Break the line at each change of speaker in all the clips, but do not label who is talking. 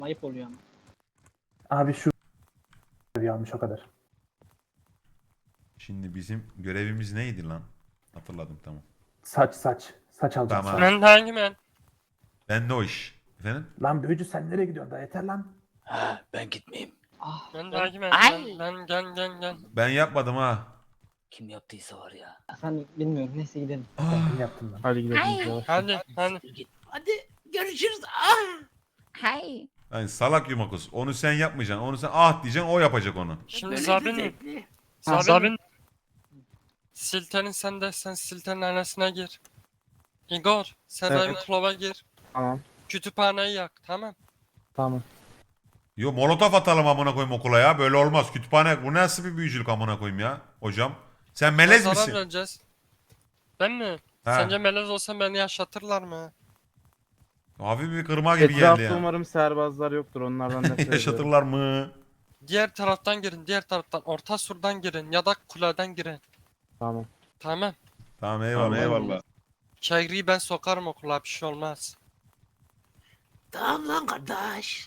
Ayıp oluyor ama.
Abi şu yanlış o kadar.
Şimdi bizim görevimiz neydi lan? Hatırladım, tamam.
Saç. Saç alacağım.
Tamam.
Saç.
Ben hangi men?
Ben de o iş. Efendim?
Lan büyücü sen nereye gidiyorsun? Daha yeter lan.
Ha, ben gitmeyeyim.
Ah,
Ben hangi men?
Ay!
Ben gel.
Ben yapmadım ha.
Kim yaptıysa var ya.
efendim bilmiyorum. Neyse gidelim.
Ben yaptım lan.
Hadi gidelim.
Hadi.
Git. Hadi görüşürüz. Ah! Hay.
Yani salak yumakus. Onu sen yapmayacaksın. Onu sen ah diyeceksin, o yapacak onu.
Şimdi
Böyle
Zabin.
zevkli.
Zabin. Siltenin sen Siltenin annesine gir. Igor sen
Evet.
Ravenclaw'a gir.
Tamam.
Kütüphaneyi yak, tamam.
Tamam.
Yo, molotof atalım amına koyayım okula ya. Böyle olmaz. Kütüphane bu nasıl bir büyücülük amına koyayım ya hocam. Sen melez
Zarar
misin?
vereceğiz. Ben mi?
Ha.
Sence melez olsam beni yaşatırlar mı?
Hafif bir kırma gibi geldi
Etrafta
ya.
umarım serbazlar yoktur. Onlardan nefret ediyorum.
Yaşatırlar mı?
Diğer taraftan girin, diğer taraftan. Orta surdan girin ya da kuleden girin.
Tamam.
Tamam.
Tamam, eyvallah.
Kegri'yi ben sokarım okula, bir şey olmaz.
Tamam lan kardeş.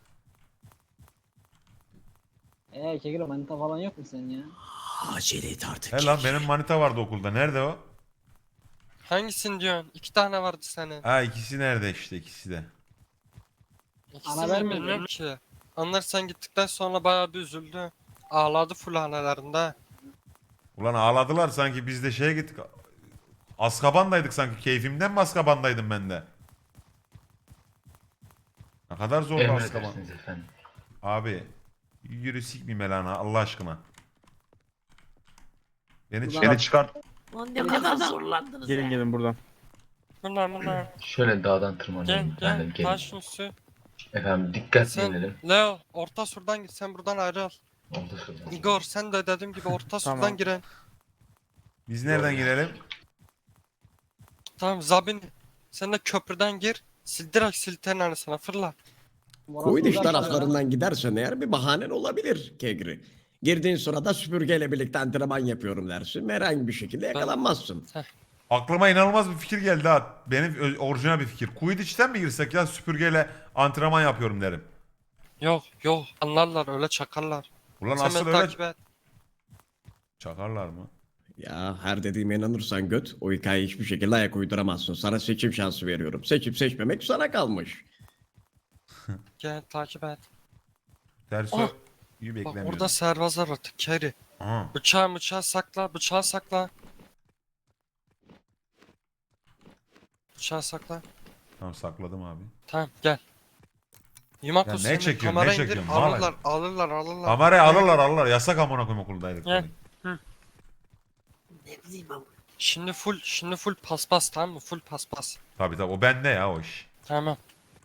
Kegro manita falan yok mu senin ya?
Acele et artık.
He lan, benim manita vardı okulda. Nerede o?
Hangisini diyorsun? 2 tane vardı senin.
Ha, ikisi nerede işte, ikisi de.
İkisini
Ana ben
de
mi
bilmiyorum ki. Onlar sen gittikten sonra bayağı bir üzüldü. Ağladı full hanelerinde.
Ulan ağladılar sanki, biz de şeye gittik. Azkaban'daydık sanki. Keyfimden mi Azkaban'daydım ben de? Ne kadar zor Azkaban.
Emredersiniz efendim.
Abi yürü sikmeyeyim Elana Allah aşkına. Beni
Ulan-
çıkart.
Lan ne kadar zorlandınız ya.
Gelin buradan.
Bunlar.
Şöyle dağdan
Gel
tırmanalım efendim.
gel.
Gelin.
Taşın üstü.
Efendim dikkatli
Sen
inelim.
Leo orta surdan git, sen buradan ayrıl.
Oldu şuradan.
Igor sen de dediğim gibi orta
Tamam.
surdan girin.
Biz nereden girelim?
Tamam Zabin sen de köprüden gir. Direkt Silterin annesine fırla.
Quidditch
Moral bozar
taraflarından gidersen eğer bir bahanen olabilir Kegri. Girdiğin sırada süpürgeyle birlikte antrenman yapıyorum dersin. Herhangi bir şekilde yakalanmazsın.
Aklıma inanılmaz bir fikir geldi ha. Benim orijinal bir fikir. Quidditch'ten mi girsek ya, süpürgeyle antrenman yapıyorum derim.
Yok anlarlar öyle çakarlar.
Ulan
Sen
asıl
beni
öyle
takip et.
çakarlar mı?
Ya her dediğime inanırsan göt o hikayeyi hiçbir şekilde ayak uyduramazsın. Sana seçim şansı veriyorum. Seçip seçmemek sana kalmış.
Gel takip et.
Tersi
Ah!
iyi
Bak
beklemiyorum.
orada serbazlar artık Kerry.
Aha.
Bıçağı sakla. Bıçağı sakla.
Tamam, sakladım abi.
Tamam gel. Yumak
Ya
olsun,
ne
hemen
çekiyorsun,
kamera
ne
indir,
çekiyorsun?
alırlar.
Kamerayı alırlar. Yasak amına koyayım okuldaydık.
Gel.
Ne bileyim ama.
Şimdi full paspas, tamam mı? Full paspas.
Tabii o bende ya o iş.
Tamam.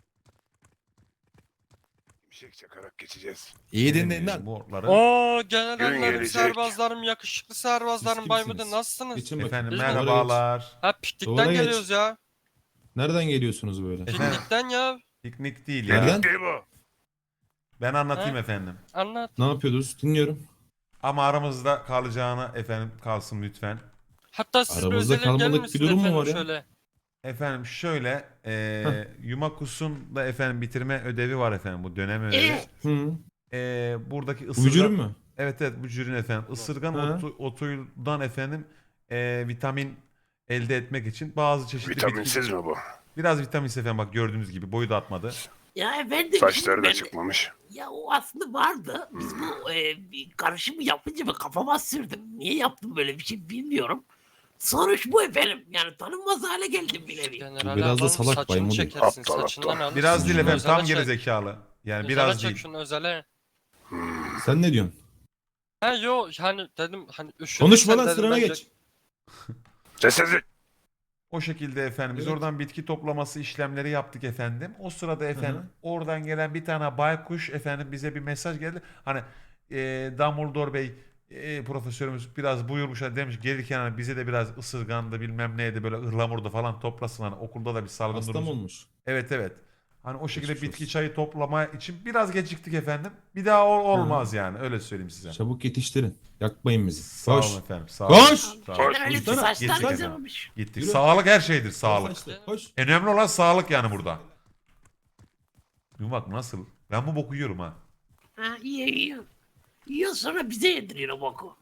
Şimşek çakarak geçeceğiz.
İyi dinleyin lan.
Bu otları.
Oo
Gün
generallerim,
gelecek.
serbazlarım, yakışıklı serbazlarım,
Siz
Baymud'un
kimsiniz?
nasılsınız?
Geçin bakayım.
Efendim
Biz
merhabalar.
Ha piknikten
Doğru geç.
geliyoruz ya.
Nereden geliyorsunuz böyle?
Piknikten ya.
Piknik değil ya.
Nereden?
Değil bu.
Ben anlatayım
Ha?
efendim.
Anlat.
Ne yapıyordunuz? Dinliyorum.
Ama aramızda kalacağına efendim kalsın lütfen.
Hatta siz bir
Aramızda
özellik
kalmalık
gelir
bir
misiniz
durum mu
efendim
var ya?
şöyle?
Efendim şöyle Yumakus'un da efendim bitirme ödevi var efendim, bu dönem ödevi.
Hı.
Buradaki
Bu
ısırgan.
vücudun mu?
Evet bu cürün efendim. Isırgan
Ha.
otuyundan efendim vitamin elde etmek için bazı çeşitli
Vitaminsiz mi bu?
Biraz vitaminsiz efendim, bak gördüğünüz gibi boyu da atmadı.
Ya efendim.
Saçları
şimdi
da
ben-
çıkmamış.
Ya o aslında vardı. Biz bu bir karışımı yapınca ben kafama sürdüm. Niye yaptım böyle bir şey bilmiyorum. Sonuç bu efendim. Yani tanınmaz hale geldim bir nevi.
General
biraz da
adam
salak
saçını
Baymud.
çekersin,
Aptal,
saçından
aptal.
alırsın.
Biraz değil
Şunu
efendim,
özele
tam
çek.
geri zekalı. Yani
Özele
biraz
çek
değil.
şunu özele.
Sen ne diyorsun?
Ha yo hani dedim hani üşüdüm
Konuşma
sen
lan,
dedim
sırana
bence.
geç.
Sessizlik.
O şekilde efendim biz
Evet.
oradan bitki toplaması işlemleri yaptık efendim. O sırada efendim
Hı hı.
oradan gelen bir tane baykuş efendim bize bir mesaj geldi. Hani Dumbledore Bey profesörümüz biraz buyurmuş, hani demiş gelirken hani bize de biraz ısırgandı bilmem neydi böyle ıhlamurda falan toplasın, hani okulda da bir salgın
Hasta
durumu.
mı olmuş?
Evet. Hani o şekilde
Geçmiş
bitki
olsun.
çayı toplama için biraz geciktik efendim. Bir daha olmaz yani, öyle söyleyeyim size.
Çabuk yetiştirin. Yakmayın bizi.
Sağ
Koş.
olun efendim. Sağ
Koş!
olun. Sağ olun.
Generalin
Gitsene,
saçlar
gitsene.
güzel olmuş.
Gittik.
Yürü.
Sağlık her şeydir, sağlık.
Saçlı, Koş.
En önemli olan sağlık yani burada. Bak nasıl? Ben bu boku yiyorum ha.
Ha iyi. Yiyor sonra bize yediriyor o boku.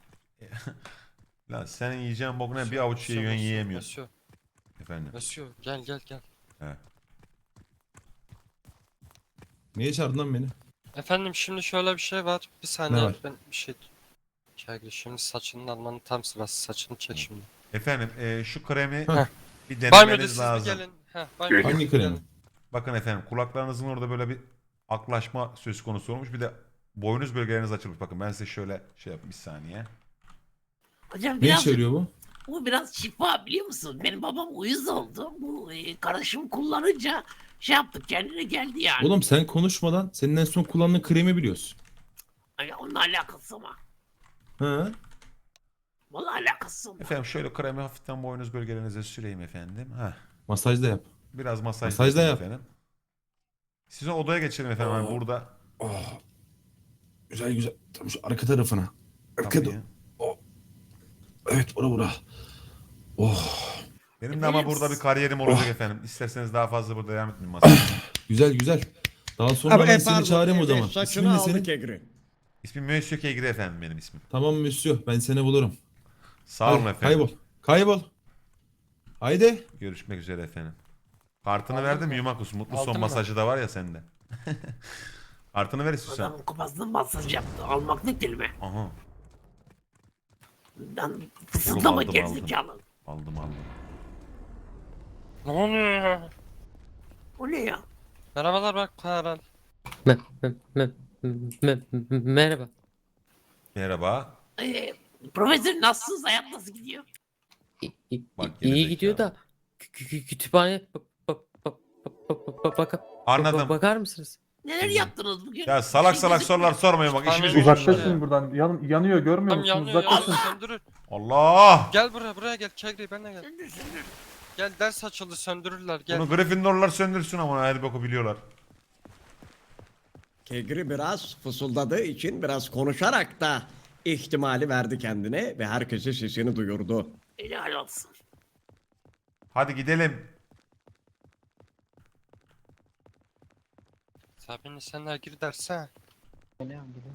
Lan senin yiyeceğin bok ne? Bir avuç yiyorsun yiyemiyorsun.
Monsieur,
Efendim.
monsieur, gel.
He.
Niye çağırdın lan beni?
Efendim şimdi şöyle bir şey var. Bir saniye
Ne var?
ben bir şey... Kegri şimdi saçının almanın tam sırası. Saçını çek şimdi.
Efendim şu kremi
Heh.
bir
Banyoda
denemeniz
siz
lazım.
bir gelin. Heh, banyoda
Hangi
siz bir
kremi?
gelin.
Bakın efendim kulaklarınızın orada böyle bir aklaşma söz konusu olmuş. Bir de boynuz bölgeleriniz açılmış. Bakın ben size şöyle şey yapayım bir saniye.
Hocam
Ne
biraz
işe yarıyor bu?
bu biraz şifa biliyor musun? Benim babam uyuz oldu. Bu karışım kullanınca şey yaptık kendine geldi yani.
Oğlum sen konuşmadan senin en son kullandığın kremi biliyorsun.
Ay, onunla alakası ama.
Ha?
Vallahi alakası ama.
Efendim şöyle kremi hafiften boynuz bölgelerinize süreyim efendim. Heh.
Masaj da yap.
Biraz masaj,
Masaj da
yapayım
yap.
efendim. Siz odaya geçelim efendim. Hani burada.
Oh. Güzel. Tam şu arka tarafına.
Tabii.
Evet bura. Oh.
Benim de ama
Efendim,
burada bir kariyerim olacak efendim. İsterseniz daha fazla burada devam etmeyeyim masaya.
Güzel. Daha sonra ben seni çağırayım o zaman.
Saçını
İsmin ne
aldı
senin?
Kegri.
İsmim Monsieur Kegri efendim benim ismim.
Tamam Monsieur ben seni bulurum.
Sağ olun
Hadi,
efendim.
Kaybol. Haydi.
Görüşmek üzere efendim. Kartını
Aldın
verdim
mı?
Yumakus. Mutlu son
Aldın mı?
masajı da var ya sende. Kartını ver istiyorsan.
Adamın kafasına masaj yaptı. Almak ne kelime?
Aha.
Lan fısıldama
aldım.
gerizekalı.
Aldım.
Ne oluyor ya?
O ne ya?
Merhabalar bak Karan.
Merhaba.
Merhaba.
Profesör nasılsınız? Hayat nasıl gidiyor?
Bak
İyi
gerizekalı.
gidiyor da kütüphane
Anladım.
bakar mısınız?
Neler yaptınız bugün?
Ya salak
Şey
salak
gözükmüyor.
sorular sormayın bak işimiz
Uzak-
gücümüz.
Uzaklaşın buradan. Yanıyor görmüyor
Tam
musunuz?
yanıyor
Uzaklaşın.
söndürür.
Allah!
Gel buraya gel Kegri benimle gel.
Söndür.
Gel ders açıldı söndürürler gel.
Bunu Gryffindorlar söndürsün ama her boku biliyorlar.
Kegri biraz fısıldadığı için biraz konuşarak da ihtimali verdi kendine ve herkese sesini duyurdu.
Helal olsun.
Hadi gidelim.
Sabine sen de gir derse.
Geliyorum gidiyorum.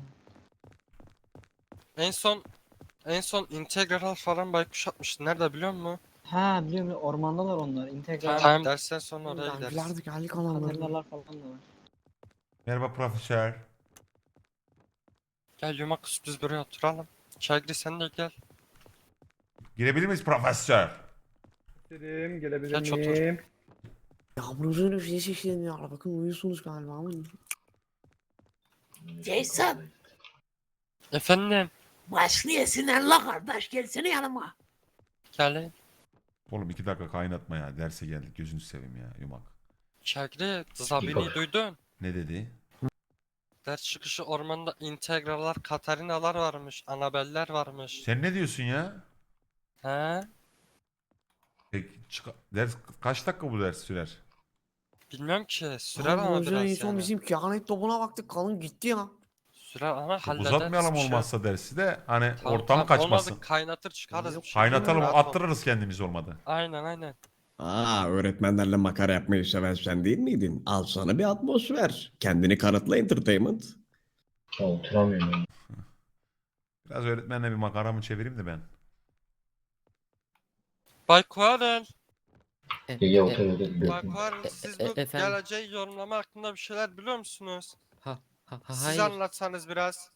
En son integral falan baykuş atmıştı. Nerede biliyor musun?
Ha biliyorum ormandalar onlar. İntegral.
Tamam dersten sonra oraya gideriz.
geldik
Katerinalar falan da var.
Merhaba profesör.
Gel Yumakus biz buraya oturalım. Kegri sen de gel.
Girebilir miyiz profesör?
Geç otur.
Yağmurun şey şişleniyor. Bakın uyuyorsunuz galiba ama.
Jason.
Efendim.
Başlayasın la kardeş. Gelsene yanıma.
Gel.
Oğlum 2 dakika kaynatma ya. Derse geldik gözünü seveyim ya yumak.
Kegri Sabini duydun.
Ne dedi?
Ders çıkışı ormanda integrallar, Katarinalar varmış, Anabeller varmış.
Sen ne diyorsun ya?
He?
Peki, ders kaç dakika bu ders sürer?
Bilmiyorum ki. Sürer ama biraz yani.
bizim kehanet topuna baktık kalın gitti ya.
Sürer ama
Çok
hallederiz.
uzatmayalım
bir şey yok.
olmazsa dersi de hani
Tamam,
ortam
tamam.
kaçmasın.
Olmadı kaynatır çıkarız. bir şey.
Kaynatalım
Rahat ol.
attırırız kendimiz olmadı.
Aynen.
Öğretmenlerle makara yapmayı seven sen değil miydin? Al sana bir atmosfer. Kendini kanıtla entertainment.
Oturamıyorum.
Biraz öğretmenle bir makaramı çevireyim de ben.
Bay Kuarel.
Gege oturuyordu.
Bay
bekliyorum.
Kuarel siz bu
efendim?
geleceği yorumlama hakkında bir şeyler biliyor musunuz? Siz
Hayır.
anlatsanız biraz.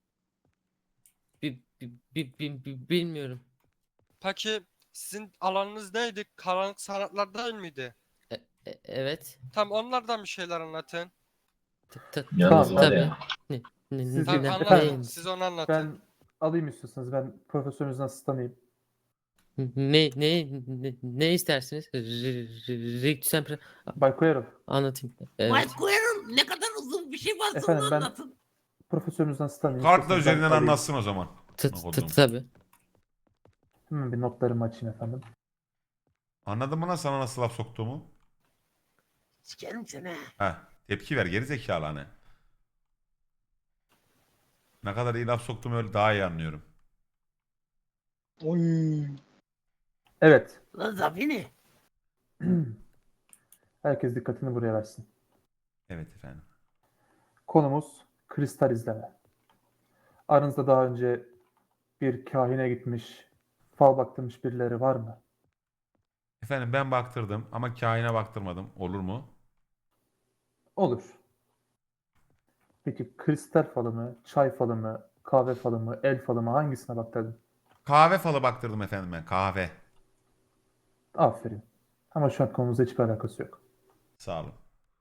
Bilmiyorum.
Peki sizin alanınız neydi? Karanlık sanatlar değil miydi?
Evet.
Tam onlardan bir şeyler anlatın.
Yalnız var
Tabii.
ya.
Siz
Tamam
de-
anlatın.
efendim,
Siz onu anlatın.
Ben alayım istiyorsanız. Ben profesörünüzden asistanıyım.
Ne istersiniz? Riktüsen
Bay Koyarov.
anlatayım.
Mike Guerrero ne kadar uzun bir şey varsa
Efendim,
onu
ben-
anlatın.
Profesörünüzden asistanıyım.
Kartla
İstiyorsanız ben
üzerinden
alayım.
anlatsın o zaman. Okudum.
Tabii.
Hemen bir notlarımı açayım efendim.
Anladın mı lan sana nasıl laf soktuğumu?
Sikerim seni.
Heh, tepki ver geri zekalı hani. Ne kadar iyi laf soktuğumu öyle daha iyi anlıyorum.
Oy.
Evet.
Lan Zabini.
Herkes dikkatini buraya versin.
Evet efendim.
Konumuz kristal izleme. Aranızda daha önce bir kahine gitmiş, fal baktırmış birileri var mı?
Efendim ben baktırdım ama kaine baktırmadım. Olur mu?
Olur. Peki kristal falı mı, çay falı mı, kahve falı mı, el falı mı, hangisine baktırdın?
Kahve falı baktırdım efendim ben. Kahve.
Aferin. Ama şu an konumuzda hiçbir alakası yok.
Sağ olun.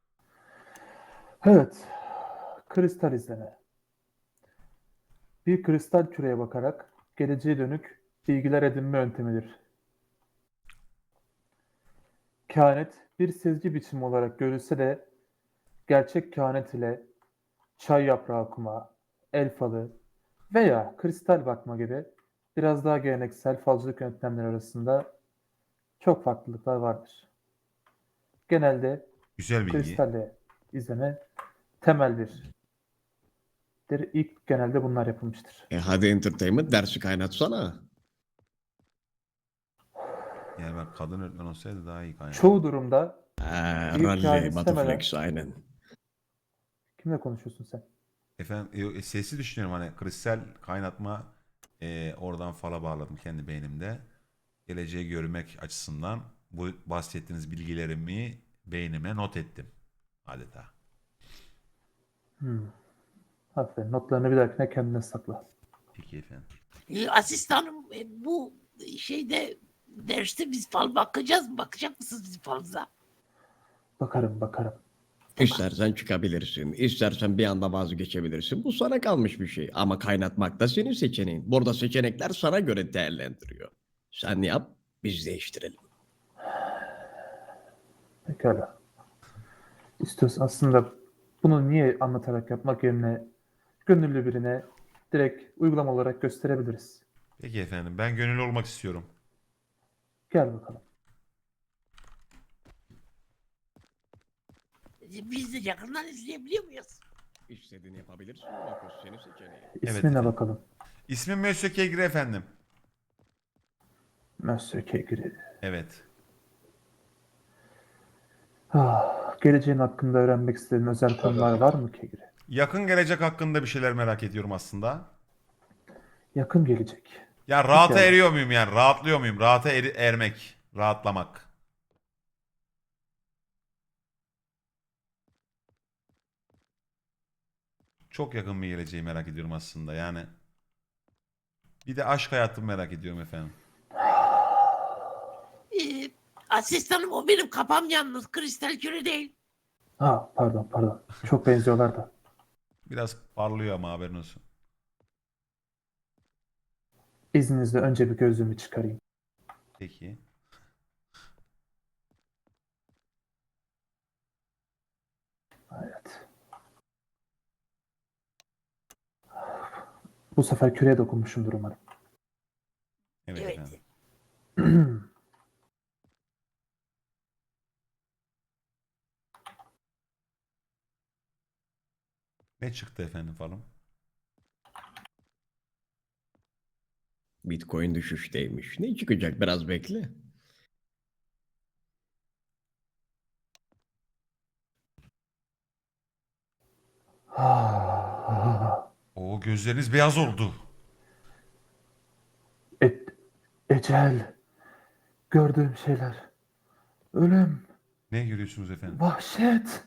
Evet. Kristal izleme. Bir kristal küreye bakarak geleceğe dönük bilgiler edinme yöntemidir. Kehanet bir sezgi biçimi olarak görülse de gerçek kehanet ile çay yaprağı okuma, el falı veya kristal bakma gibi biraz daha geleneksel falcılık yöntemleri arasında çok farklılıklar vardır. Genelde
Güzel bilgi.
kristalle izleme temeldir. İlk genelde bunlar yapılmıştır.
Hadi entertainment dersi kaynatsana.
Yani bak kadın öğretmen olsaydı daha iyi kaynağı.
Çoğu durumda bir
Rally,
kehanet
Batuflex aynen.
kimle konuşuyorsun sen?
Efendim sesi düşünüyorum hani kristal kaynatma oradan fala bağladım kendi beynimde. Geleceği görmek açısından bu bahsettiğiniz bilgilerimi beynime not ettim adeta.
Aferin. Notlarını bir dahakine kendine sakla.
Peki efendim.
Asistanım bu şeyde derste biz fal bakacağız mı? Bakacak mısınız bizim falımıza?
Bakarım.
İstersen çıkabilirsin, istersen bir anda vazgeçebilirsin. Bu sana kalmış bir şey. Ama kaynatmak da senin seçeneğin. Burada seçenekler sana göre değerlendiriyor. Sen yap, biz değiştirelim.
Pekala. İstiyorsan aslında bunu niye anlatarak yapmak yerine gönüllü birine direkt uygulama olarak gösterebiliriz.
Peki efendim ben gönüllü olmak istiyorum.
Gel bakalım.
Biz de yakından izleyebiliyor muyuz?
İstediğini yapabilirsin ama bu senin seçeneğin.
İsmine
efendim.
bakalım.
İsmim Mösyö Kegri efendim.
Monsieur Kegri.
Evet.
Geleceğin hakkında öğrenmek istediğin özel konular var mı Kegri?
Yakın gelecek hakkında bir şeyler merak ediyorum aslında.
Yakın gelecek.
Ya rahata
Peki.
eriyor muyum yani? Rahatlıyor muyum? Rahata ermek. Rahatlamak. Çok yakın bir geleceği merak ediyorum aslında yani. Bir de aşk hayatımı merak ediyorum efendim.
Asistanım o benim kafam yalnız kristal küre değil.
Pardon. Çok benziyorlar da.
Biraz parlıyor ama haberin olsun.
İzninizle önce bir gözlüğümü çıkarayım.
Peki.
Evet. Bu sefer küreye dokunmuşumdur umarım.
Evet,
Evet.
efendim. Ne çıktı efendim falan?
Bitcoin düşüşteymiş. Ne çıkacak biraz bekle.
Oo gözleriniz beyaz oldu.
Ecel. Gördüğüm şeyler. Ölüm.
Ne görüyorsunuz efendim?
Vahşet.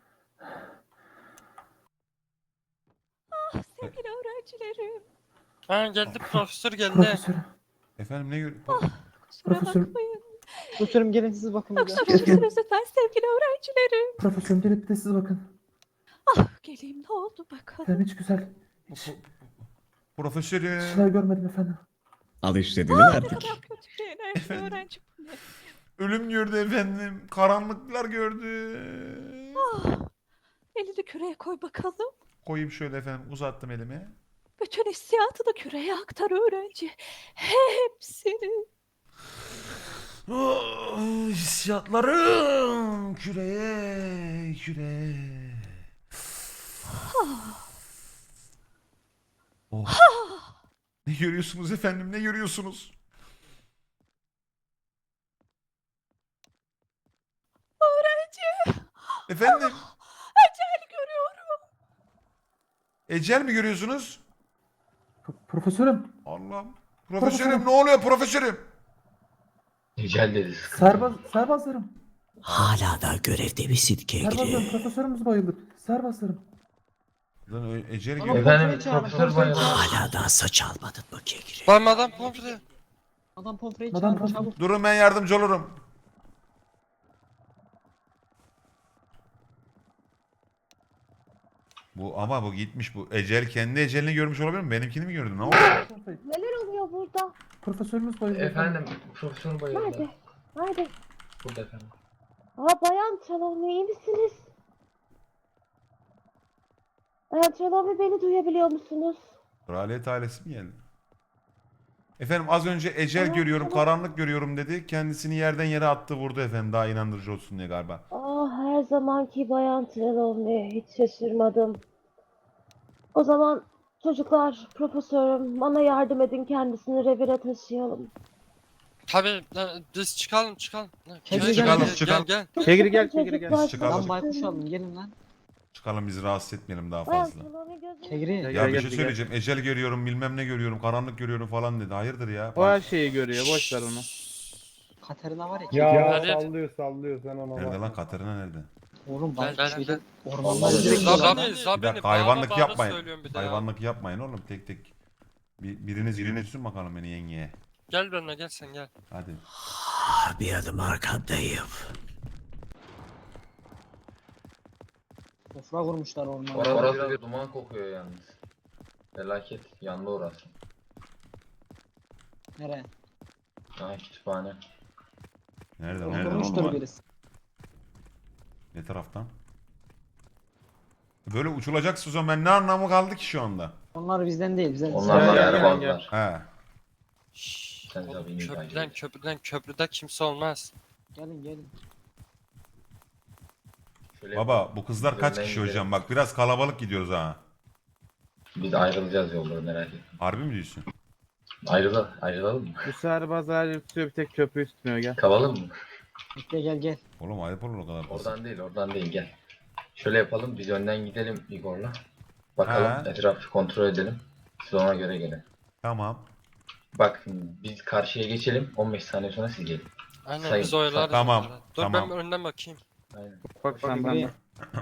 Sevgili öğrencilerim.
Ha geldi profesör geldi.
Profesörüm.
Efendim ne görüyorsunuz?
Kusura
Profesör-
bakmayın.
Profesörüm gelin siz bakın bir de.
Yoksa konuşuruz lütfen sevgili öğrencilerim.
Profesörüm gelip bir de siz bakın.
Geleyim ne oldu bakalım.
Efendim hiç güzel. Hiç şeyler
Profesörüm.
görmedim efendim.
Al istediğini
Ne
verdik.
kadar kötü şeyler bir
Efendim?
öğrenci bu ne?
Ölüm gördü efendim. Karanlıklar gördü.
Elini küreye koy bakalım.
Koyayım şöyle efendim. Uzattım elimi.
Bütün hissiyatını küreye aktar öğrenci. Hepsini.
Hissiyatlarım küreye. Oh. Ne görüyorsunuz efendim? Ne görüyorsunuz?
Öğrenci.
Efendim?
Ecel görüyorum.
Ecel mi görüyorsunuz?
Profesörüm.
Allah'ım. Profesörüm ne oluyor profesörüm?
Ecel dedi.
Serbazlarım.
Hala da görevde misin
Serbazlarım. Profesörümüz bayıldı. Serbazlarım.
Lan Ecel
Ama
görüyor.
Efendim
çağırın,
profesör bayıldı.
Hala daha saç almadın mı Kegri?
Lan madam pomfre.
Adam Pomfrey'i
Madam
çağırın
Pomfrey.
çabuk.
Durun ben yardımcı olurum. Bu gitmiş bu. Ecel kendi ecelini görmüş olabilir mi? Benimkini mi gördün? Ne oldu?
Neler oluyor burada?
Profesörümüz bayıldı.
Efendim profesör bayıldı.
Nerede? Nerede?
Burada efendim.
Bayan Trelawney iyi misiniz? Bayan Trelawney beni duyabiliyor musunuz?
Kraliyet ailesi mi geldi? Efendim az önce ecel
Tamam,
görüyorum,
tamam.
karanlık görüyorum dedi. Kendisini yerden yere attı vurdu efendim. Daha inandırıcı olsun diye galiba.
Her zamanki Bayan Trelawney hiç şaşırmadım. O zaman çocuklar, profesörüm bana yardım edin kendisini revire taşıyalım.
Tabii biz çıkalım.
Kegri
Çıkalım,
gel.
çıkalım.
Gel.
Kegri gel, Kegri gel.
Çocuklar,
Çıkalım.
Lan baykuş alın gelin lan.
Çıkalım bizi rahatsız etmeyelim daha
Bayan
fazla.
Trelawney gözünü
Kegri.
Ya bir şey söyleyeceğim. Ecel görüyorum, bilmem ne görüyorum, karanlık görüyorum falan dedi. Hayırdır ya?
O her şeyi görüyor. Boş ver onu.
Katerina var ya.
Ya, hadi.
Sallıyor sen ona.
Nerede lan? Katerina nerede?
Oğlum
Gel,
baykuş
gel,
şeyde
gel.
ormandan
Vallahi
direkt
Zabani-
oradan.
Bir dakika hayvanlık yapmayın.
Söylüyorum bir de ya.
Hayvanlık yapmayın oğlum tek tek. Biriniz yürüsün bakalım beni yengeye.
Gel benimle gel sen gel.
Hadi.
Bir adım arkandayım.
Sofra kurmuşlar ormana.
Orası bir duman kokuyor yalnız. Felaket. Yandı orası.
Nereye?
Ha kütüphane.
Nerede?
Kurmuştur birisi.
Ne taraftan? Böyle uçulacaksın o zaman ben ne anlamı kaldı ki şu anda?
Onlar bizden değil. Bizden
Onlar
Gel,
da
gel,
erbazlar.
He.
Sen
Oğlum,
tabii iyi takip
köprüde kimse olmaz.
Gelin.
Şöyle
Baba bu kızlar kaç
Önden
kişi
gidelim.
hocam? Bak biraz kalabalık gidiyoruz ha.
Biz ayrılacağız yolları merak etme.
Harbi mi diyorsun?
Ayrılalım mı?
Bu serbazlar tutuyor bir tek köprüyü tutmuyor gel.
Kavalım mı?
Bekle gel.
Oğlum ayıp olur o kadar. basit.
Oradan değil gel. Şöyle yapalım biz önden gidelim Igor'la. Bakalım
Ha.
etrafı kontrol edelim. Siz ona göre gelin.
Tamam.
Bak biz karşıya geçelim 15 saniye sonra siz gelin.
Aynen
Sayın.
biz oyalarız.
Tamam,
onları. Dur
tamam.
ben önden bakayım.
Aynen.
Bak sen
Kegri.
benden.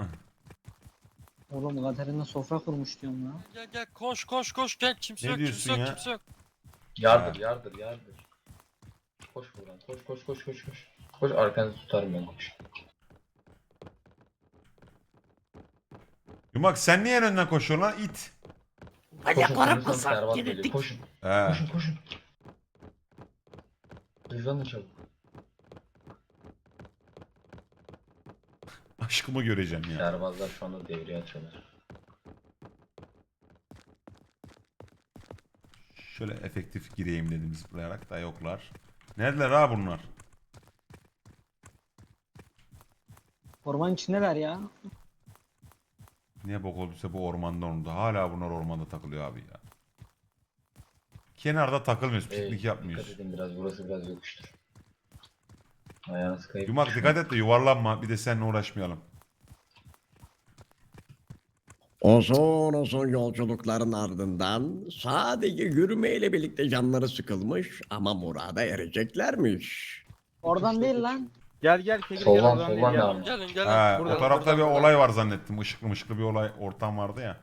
Oğlum Katerina sofra kurmuş diyorum ya.
Gel koş gel kimse
Ne
yok
diyorsun ya?
kimse yok.
Yardır. Koş buradan koş. Koş arkanızı tutarım ben koş.
Yumak sen niye en önden koşuyorsun lan it?
Bacaklarım
Koşun,
kısa.
Servat geliyor.
Gerildik.
Koşun.
He.
Koşun. Hızlanın çabuk.
Aşkımı göreceğim ya.
Serbazlar şu anda devreye atıyorlar.
Şöyle efektif gireyim dedim zıplayarak da yoklar. Neredeler ha bunlar?
Ormanın içindeler ya.
Niye bok olduysa bu ormanda onu Hala bunlar ormanda takılıyor abi ya. Kenarda takılmıyoruz, piknik
Dikkat
yapmıyoruz.
edin burası biraz yokuştur. Ayağınız kayıp.
Yumak dikkat et de yuvarlanma. Bir de seninle uğraşmayalım.
Uzun yolculukların ardından sadece yürümeyle birlikte canları sıkılmış ama murada ereceklermiş.
Oradan değil lan.
Gel Kegri gel.
Soldan
oradan değil,
soldan
gel.
devam.
Gelin
He,
Burada,
o tarafta
burada,
bir
burada.
olay var zannettim. Işıklı bir olay ortam vardı ya.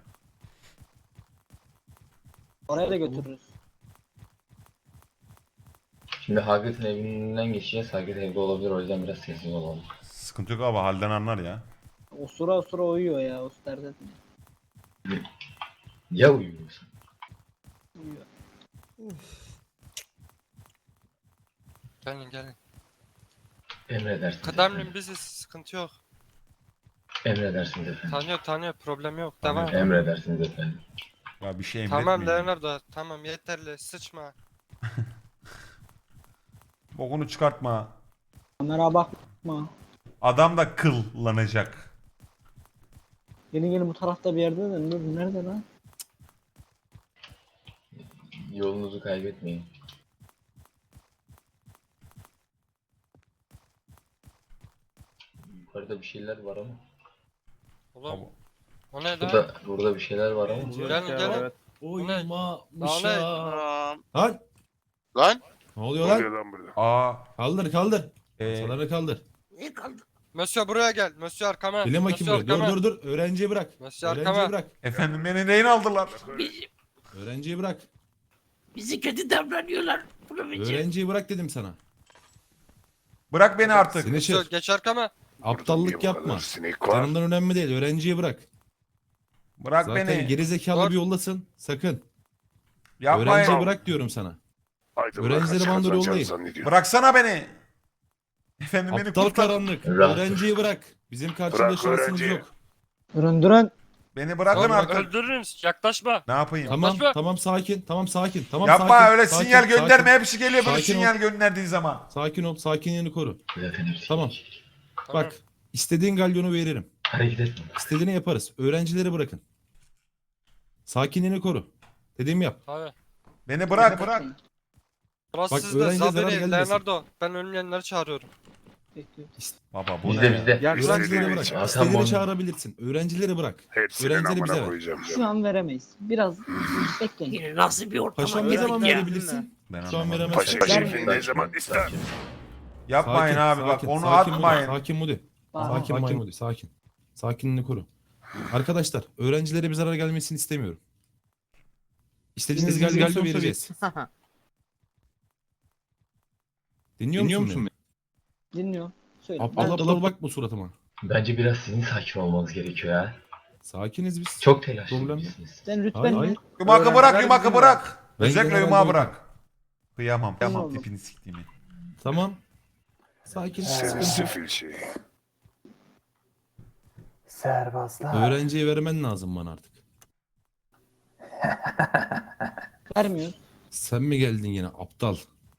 Oraya da götürürüz.
Şimdi Hagrid'in evinden geçeceğiz. Hagrid evde olabilir o yüzden biraz sessiz olalım.
Sıkıntı yok abi halden anlar ya.
Osura uyuyor ya. Osura
Ya uyuyorsun?
uyuyor.
gelin.
Emredersiniz.
Kıdemlim biziz sıkıntı yok.
Emredersiniz efendim.
Tanıyor problem yok
Tanıyor.
devam.
Emredersiniz efendim.
Ya bir şey
Tamam
emretmeyin.
Leonardo tamam yeterli sıçma.
Bokunu çıkartma.
Kamera bakma.
Adam da kıllanacak.
Gelin bu tarafta bir yerde de. Dur nerede lan?
Yolunuzu kaybetmeyin. Yukarıda bir şeyler var ama.
Oğlum O ne lan?
Burada bir şeyler var ama.
Gelin gelin.
Evet.
Oyma
Daha ne?
Lan
Lan?
ne oluyor
Ne oluyor
lan?
lan burada?
Aa.
Kaldır.
e,
Masaları kaldır.
Ne kaldı?
Monsieur buraya gel. Monsieur arkama.
Gelin bakayım
Monsieur
buraya.
arkama.
Dur. Öğrenciyi bırak.
Monsieur
Öğrenciyi
arkama.
bırak.
efendim beni neyin aldılar?
Bizi,
Öğrenciyi bırak.
bizi kötü davranıyorlar. Profesör.
Öğrenciyi bırak dedim sana.
Bırak beni artık.
Seni
Monsieur
çek.
geç arkama.
Aptallık
Niye bu kadar
yapma.
sinek var?
Canından önemli değil. Öğrenciyi bırak.
Bırak
Zaten
beni.
gerizekalı
Dur.
bir yoldasın. Sakın.
Yapmayın.
Öğrenciyi bırak diyorum sana.
Aydınlar
Öğrencileri
kaç
bandır
kazanacağını
yollayın.
zannediyor.
Bıraksana beni. Efendim beni
Aptal
kurtar.
karanlık.
Rahat dur.
Öğrenciyi bırak. Bizim karşında
Bırak
şansımız
öğrenciyi.
yok.
Durun.
Beni bırakın
Oğlum,
artık.
öldürürüz. Yaklaşma.
Ne yapayım?
Tamam
Yaklaşma.
tamam sakin. Tamam sakin. Tamam
Yapma
sakin.
öyle
sakin,
sinyal gönderme.
Sakin,
Hepsi geliyor böyle
Sakin ol.
sinyal gönderdiğin zaman.
sakin ol. Sakinliğini koru.
Efendim.
Tamam.
Tamam.
Bak istediğin galyonu veririm.
Hareket etme.
İstediğini yaparız. Öğrencileri bırakın. Sakinliğini koru. Dediğimi yap.
Abi.
Beni bırak. Bırak.
Burası
Bak,
sizde.
öğrenciye zarar
Zaberi,
gelmesin.
Leonardo. Ben ölmeyenleri çağırıyorum.
Baba bu
Bizde
ne?
bizde.
Gel
Biz
lan.
de
Öğrencileri
değil.
bırak.
Hasan
İstediğini
Boynu.
çağırabilirsin. Öğrencileri bırak.
Hepsinin
Öğrencileri bize
amına
ver.
koyacağım.
Şu an veremeyiz. Biraz bekleyin.
Yine nasıl bir ortama
Paşam ne
girdik
zaman
ya?
verebilirsin?
Ben
Şu an
anlamadım.
veremezsin.
Paşa
Sakin,
şefin ne zaman ister?
Yapmayın abi bak onu
sakin
atmayın.
Mudi, sakin Mudi.
Tamam.
Sakin Maymudi, sakin. Sakinliğini koru. Arkadaşlar, öğrencilere bir zarar gelmesini istemiyorum. İstediğiniz galyonu vereceğiz. Dinliyor musun beni?
Dinliyor. Söyle.
Aptal aptal bakma suratıma.
Bence biraz sizin sakin olmanız gerekiyor ya.
Sakiniz biz.
Çok
Problem
telaşlısınız.
Sen rütben
Hayır,
ne?
hayır.
Yumakı bırak yumakı bırak.
Ben
Özellikle
genelde
yumağı
oydum.
bırak. Kıyamam. Kıyamam
Oldu.
tipini siktiğimi.
Tamam. Sakin.
Seni
sıkıntı yok.
sefil şey.
Serbazlar.
Öğrenciye vermen lazım bana artık.
Vermiyor.
Sen mi geldin yine aptal?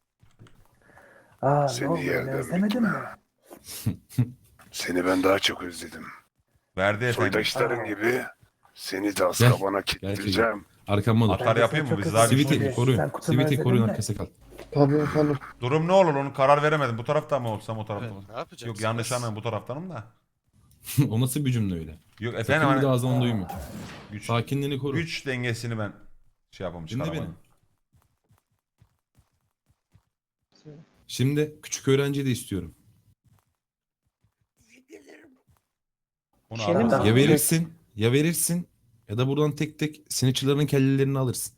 Aa,
Seni
ne oldu?
yerden
Özlemedin mi?
Seni ben daha çok özledim.
Verdi efendim.
Soydaşların gibi seni de
Gel.
Azkaban'a kilitleyeceğim.
Arkamda dur.
Atar yapayım mı? Biz daha bir
Sivit'i koruyun. Sivit'i koruyun arkası kal.
Tabii efendim.
Durum ne olur onu karar veremedim. Bu taraftan mı olsam o taraftan mı?
Ne yapacaksın?
Yok yanlış anladım bu taraftanım da.
O nasıl bir cümle öyle?
Yok
Sakın
efendim
bir de
hani
ağzından duyma.
güç,
Sakinliğini koru.
güç dengesini ben şey yapamam
Dinle
çıkaramadım.
beni. Şimdi küçük öğrenciyi de istiyorum.
Onu
Şöyle mi?
aramızda-
Ya verirsin ya da buradan tek tek sinirçilerin kellelerini alırsın.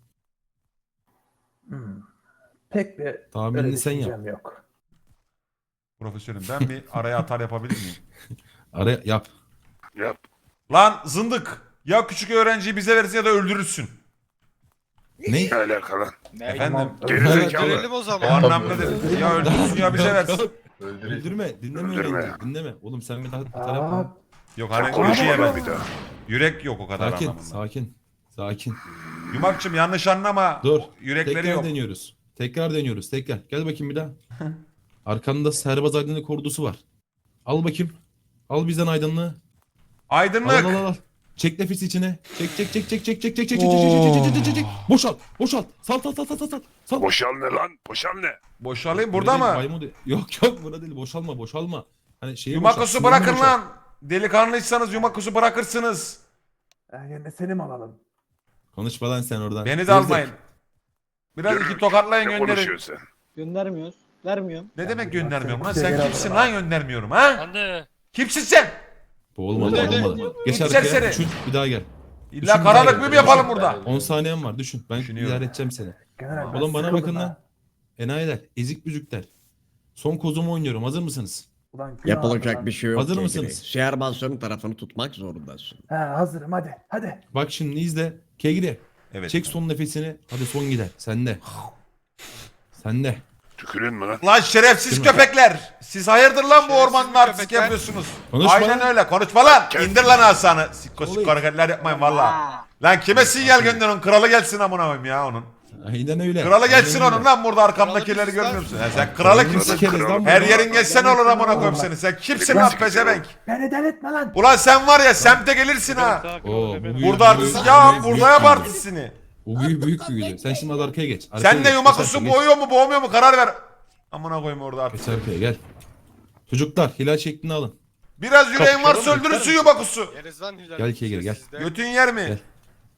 Pek bir
Tahminini
öyle
sen yap.
düşüncem yok.
Profesörüm ben bir araya atar yapabilir miyim?
Araya yap.
Yap.
Lan zındık! Ya küçük öğrenciyi bize verirsin ya da öldürürsün.
Ne?
Ne alaka lan?
Efendim
Gerizekalı.
Görelim o
o
zaman.
anlamdadır. Ya öldürürsün ya bize versin.
Öldürün.
Öldürme. Dinleme
Öldürme.
öğrenciyi. Dinleme. Oğlum sen bir daha bir taraf
Aa,
al.
Yok
Sen
hani
konuşma
yiyemez.
bir daha.
Yürek yok o kadar
Sakin.
anlamında.
Sakin.
Yumakçım yanlış anlama.
Dur.
Yürekleri
Tekrar
yok.
deniyoruz. Tekrar. Gel bakayım bir daha. Arkanda serbaz aydınlık ordusu var. Al bakayım. Al bizden aydınlığı.
Aydınlık.
Al. Çek nefes içine. Çek. Boşalt. Sal.
Boşal ne lan? Boşal ne?
Boşalayım burada mı?
Yok burada değil. Boşalma. Hani şeyi
Yumakusu
boşalt,
bırakın
sinirini boşalt.
lan. Delikanlıysanız yumakusu bırakırsınız.
yerine seni mi alalım?
Konuşma lan sen oradan.
Beni de
Zevzek.
almayın. Biraz
Yürü.
iki tokatlayın
Ne
gönderin.
konuşuyorsun sen?
Göndermiyoruz. Vermiyorum.
Ne demek göndermiyorum lan?
Şey
Sen
gel
kimsin
abi.
lan göndermiyorum ha?
Hadi.
Kimsin sen?
Bu olmadı. Geç
Git
arkaya.
serseri.
Düşün. Bir daha gel.
İlla
Düşün,
karalık
bir daha
mı
gel.
yapalım burada?
10 saniyen var. Düşün. Ben
Düşünüyorum.
idare edeceğim seni.
General, ben
Oğlum bana
sıkıldım
bakın
ha.
lan. Enayiler. Ezik büzükler. Son kozumu oynuyorum. Hazır mısınız?
Ulan günah
Yapılacak
lan.
bir şey yok.
Hazır
Kegri.
mısınız?
Şehirbansörün tarafını tutmak zorundasın.
He hazırım hadi.
Bak şimdi izle. Kegri.
Evet.
Çek son nefesini. Hadi son gider. Sende.
Tükürün mü lan?
Lan şerefsiz
Değil mi?
köpekler. Siz hayırdır lan bu
Şerefsiz
ormanda artistik
köpekler.
yapıyorsunuz?
Konuşma
Aynen
lan.
öyle. Konuşma lan.
Kes.
İndir lan asanı. Sikko
Oğlum.
sikko hareketler yapmayın valla. Lan kime sinyal gönderin? Kralı gelsin amına koyayım ya onun.
Aynen öyle.
Kralı gelsin
Aynen
onun
öyle.
lan burada arkamdakileri
Kralı
görmüyor
biziz
musun? Ya sen kralı
Kralını
kimsin?
sikeriz lan
Her
burada.
yerin geçsen olur amına koyayım seni. Sen kimsin
Lan
lan
sikeceğim.
pezevenk?
Beni delirtme lan.
Ulan sen var ya semte gelirsin ha.
Oo, bu büyük-
Burada
bu
artist
büyük-
ya
büyük
burada yap
büyüdü.
artistini.
Bu büyük büyüdü. Sen şimdi hadi arkaya geç. Arkaya
Sen de
geç,
yumakusu
geç,
boğuyor mu boğmuyor mu karar ver. Amına koyayım orada artık.
Geç arkaya gel. Çocuklar hilal şeklini alın.
Biraz yüreğin varsa öldürürsün yubakusu.
Yeriz lan Hilal.
Gel Kegir, gel.
Sizde.
Götün yer mi?
Gel.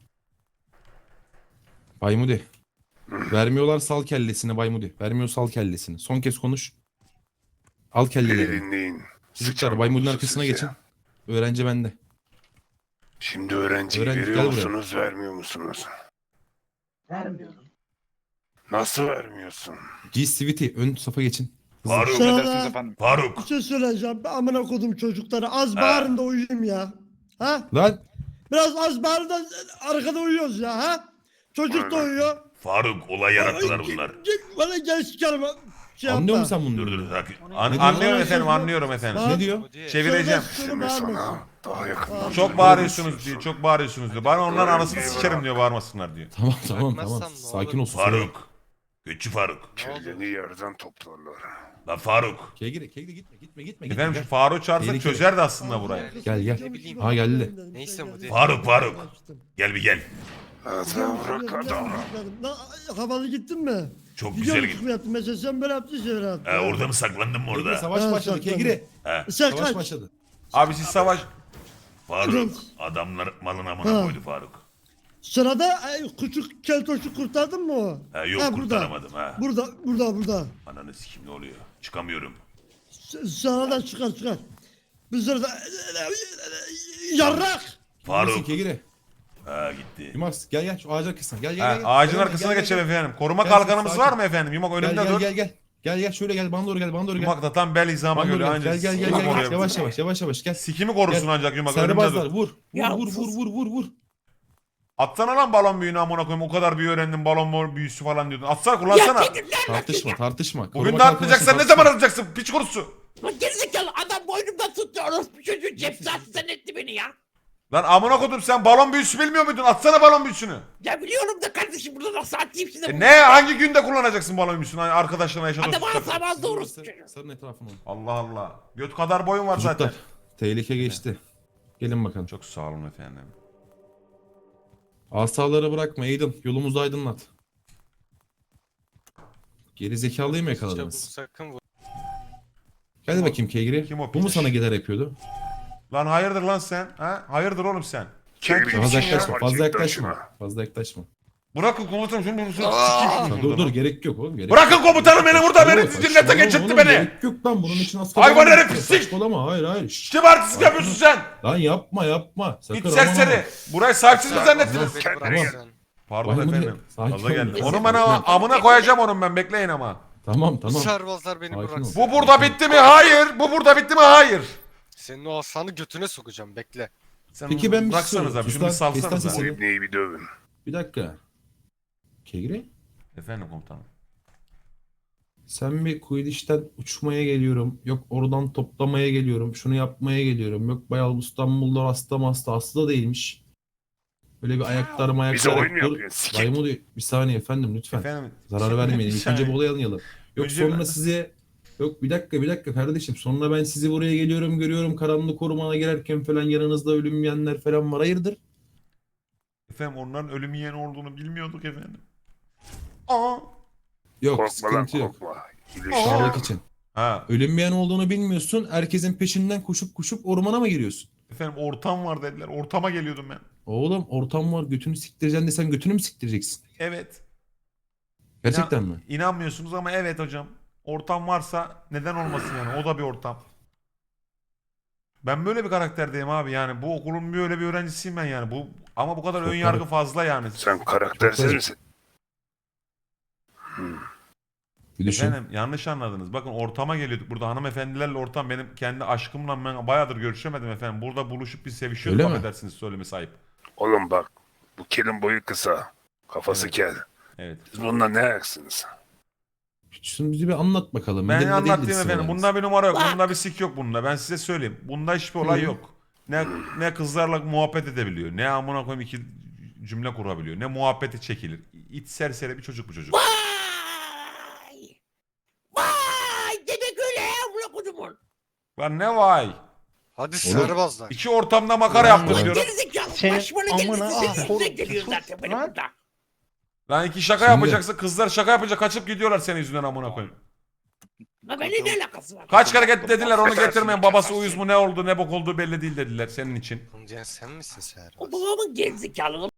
Baymudi. Vermiyorlar sal kellesini Baymudi. Vermiyor sal kellesini. Son kez konuş. Al
Beni
kelleleri.
dinleyin.
Çocuklar
Sıçan
Baymudi'nin
kuzusu
arkasına
size.
geçin. Öğrenci bende.
Şimdi öğrenciyi
Öğrenci,
veriyor
gel buraya.
musunuz, vermiyor musunuz?
Vermiyorum.
Nasıl vermiyorsun?
G-Sweetie ön safa geçin. Hızlı.
Faruk.
Sana da
Faruk.
bir şey söyleyeceğim. Ben amına kodum çocukları. Az
Ha.
bağırın da uyuyayım ya. Ha?
Lan
Biraz az bağırın da arkada uyuyoruz ya. Ha? Çocuk da uyuyor.
Faruk olay yarattılar bunlar.
Bana gel sikerim. Şey
anlıyor
yapma.
musun sen
Dur
bunları?
dur sakin.
Ne
Anlıyorum
diyorsun?
efendim anlıyorum efendim.
Ha?
Ne diyor?
Çevireceğim.
Şimdi sana daha yakından.
Çok bağırıyorsunuz diyor. Çok bağırıyorsunuz diyor. Bana onların anasını sikerim diyor bağırmasınlar diyor.
Tamam tamam
Bırakmazsam
tamam.
ne
Sakin
olur?
ol. sus.
Faruk. Göçü Faruk.
Kelleni yerden toplarlar.
Lan Faruk.
Kegri gitme.
Efendim şu
Gel.
Faruk'u çağırsak
Tehlikeli.
çözerdi aslında burayı.
Gel gel.
Ne bileyim.
Ha geldi.
Neyse bu değil.
Faruk. Gel bir gel.
Hadi bırak adamı.
Lan, havalı gittin mi?
Çok
Gidiyor
güzel
musun
gitti.
yaptın? Mesela sen böyle yaptın şeyler yaptın.
Orada mı saklandın mı
Kegri
orada?
savaş
Ha,
başladı
saklandı.
Kegri.
He.
Sen
Savaş
kaç.
başladı.
Abi siz savaş. Faruk.
Evet.
Adamlar malın amına
Ha.
koydu Faruk.
Sırada küçük keltoşu kurtardın mı o?
Yok
Ha, burada.
kurtaramadım ha.
Burada.
Ananı sikim ne oluyor? Çıkamıyorum.
Sana da çıkar. Bir sırada yarrak.
Neredesin
Faruk.
Kegri?
Ha gitti.
Yumax gel şu ağacın arkasına. Gel.
Ağacın
Gel,
arkasına
gel,
geçelim
gel.
efendim. Koruma
Gel,
kalkanımız
sakin.
var mı efendim? Yumak önümde dur.
Gel şöyle gel bana doğru gel.
Yumak da tam bel hizama
Bana doğru
geliyor.
gel.
Ancak
Gel.
sikimi koruyabilir.
Yavaş gel.
Sikimi korusun
Gel.
ancak yumak önümde
Serbazlar
dur.
vur.
Ya,
Vur.
Atsana lan balon büyüğünü amına koyayım. O kadar büyü öğrendim balon büyüsü falan diyordun. Atsana kullansana.
Tartışma.
Bugün
Koruma
de atmayacaksın. Ne
kalkanı
zaman atacaksın? Piç kurusu.
Lan gerizekalı adam boynumdan tuttu. Orospu çocuğu cefsasından etti beni ya.
Lan amına koydum sen balon büyüsü bilmiyor muydun? Atsana balon büyüsünü.
Ya biliyorum da kardeşim burada nasıl atayım şimdi.
Ne hangi günde kullanacaksın balon büyüsünü? Hani arkadaşlarına yaşadığın
Adam
suçlar.
asamaz doğrusu.
Sarın etrafını.
Allah Allah. Göt kadar boyun var
Çocuklar
zaten.
tehlike geçti. Gelin bakalım.
Çok sağ olun efendim.
Asaları bırakma Aiden. Yolumuzu aydınlat. Geri zekalıyı mı
Çabuk
yakaladınız?
sakın vur.
Gel bakayım Kegri.
Kim o
Bu mu
piç?
sana gider yapıyordu?
Lan hayırdır lan sen? Ha? Hayırdır oğlum sen? Sen
Kegri
kimsin
için
ya?
yapar,
Fazla
cidden
yaklaşma.
şuna.
Fazla yaklaşma.
Bırakın komutanım şunu sikeyim
Ha,
şunu
dur
buradan.
gerek yok oğlum. Gerek
Bırakın
yok.
komutanım beni burada, beni
Saçmalama
cillete geçirtti
oğlum,
beni.
Gerek yok lan bunun için asker
Hayvan
olmak
herif,
yok.
pislik.
Saçmalama hayır. Şşş.
Kim artistlik yapıyorsun sen?
Lan yapma. Sakın
Git
aman
serseri.
aman.
Burayı sahipsiz mi zannettiniz?
Beni
Kendine
bırak
gel.
sen.
Pardon
Vay
efendim.
sakin
Fazla
ol.
geldi. Onu ben amına koyacağım onun ben, bekleyin ama.
Tamam.
Serbazlar beni
Sakin ol.
bıraksın.
Bu burada bitti mi? Hayır. Bu burada bitti mi? Hayır.
Senin o aslanı götüne sokacağım bekle.
Sen
Peki ben bir
bıraksanız
soru.
abi.
Sus
Şunu bir
lan, kes lan
salsanız
sesini.
Bu ibneyi bir dövün.
Bir dakika. Kegri
Efendim komutanım.
sen bir Quidditch'ten uçmaya geliyorum. Yok oradan toplamaya geliyorum. Şunu yapmaya geliyorum. Yok bayağı İstanbul'da hasta da değilmiş. Böyle bir ayaklar
Bize oyun mu
dur.
yapıyorsun? Sikik.
Baymodu bir saniye efendim lütfen.
Efendim.
Zarar vermeyin.
Bir
İlk önce
saniye.
bu olayı anlayalım. Yok
Önce
sonra
ben-
size yok bir dakika kardeşim. Sonra ben sizi buraya geliyorum görüyorum. Karanlık ormana girerken falan yanınızda ölüm yiyenler falan var. Hayırdır?
Efendim onların ölüm yiyen olduğunu bilmiyorduk efendim. Aa.
Yok
Korkma lan
sıkıntı yok.
korkma.
Sağlık için.
Ha.
Ölüm yiyen olduğunu bilmiyorsun. Herkesin peşinden koşup ormana mı giriyorsun?
Efendim ortam var dediler. Ortama geliyordum ben.
Oğlum ortam var götünü siktireceksin de sen götünü mü siktireceksin?
Evet.
Gerçekten mi?
İnanmıyorsunuz ama evet hocam. Ortam varsa neden olmasın yani? O da bir ortam. Ben böyle bir karakterdeyim abi yani. Bu okulun böyle bir öğrencisiyim ben yani. Bu ama bu kadar
Çok
ön yargı
garip.
fazla yani.
Sen karaktersiz
Çok
misin?
Bir düşün.
Efendim yanlış anladınız. Bakın ortama geliyorduk. Burada hanımefendilerle ortam benim kendi aşkımla ben bayağıdır görüşemedim efendim. Burada buluşup bir sevişiyorduk
Öyle mi?
affedersiniz söylemesi ayıp.
Oğlum bak. Bu kelin boyu kısa. Kafası
Evet.
kel.
Evet.
Siz bununla ne ayaksınız?
Şunu bize bir anlat bakalım.
Ben
Nedenle
anlatayım
değiliz
efendim.
sınırlarımız.
Bunda bir numara yok. Bunda bir sik yok bunda. Ben size söyleyeyim. Bunda hiçbir olay
Hı.
yok. Ne kızlarla muhabbet edebiliyor. Ne amına koyayım iki cümle kurabiliyor. Ne muhabbeti çekilir. İç serseri bir çocuk bu çocuk.
Vay! Vay! Demek öyle ya amına kodumun.
Lan ne vay.
Hadi
Oğlum.
serbazlar.
İki ortamda makara yaptık diyorum.
Gerizekalı
Senin
başıma ne
amına
geldi? Senin
korum.
yüzünden geliyor zaten benim
Lan.
burada.
Lan iki şaka
Şimdi-
yapacaksın. Kızlar şaka yapınca kaçıp gidiyorlar senin yüzünden amına koyayım.
Ha benimle ne alakası var?
Kaç kere dediler onu getirmeyin. Babası uyuz mu ne oldu ne bok olduğu belli değil dediler senin için.
Amca sen misin Serhat?
O babamın gerizekalı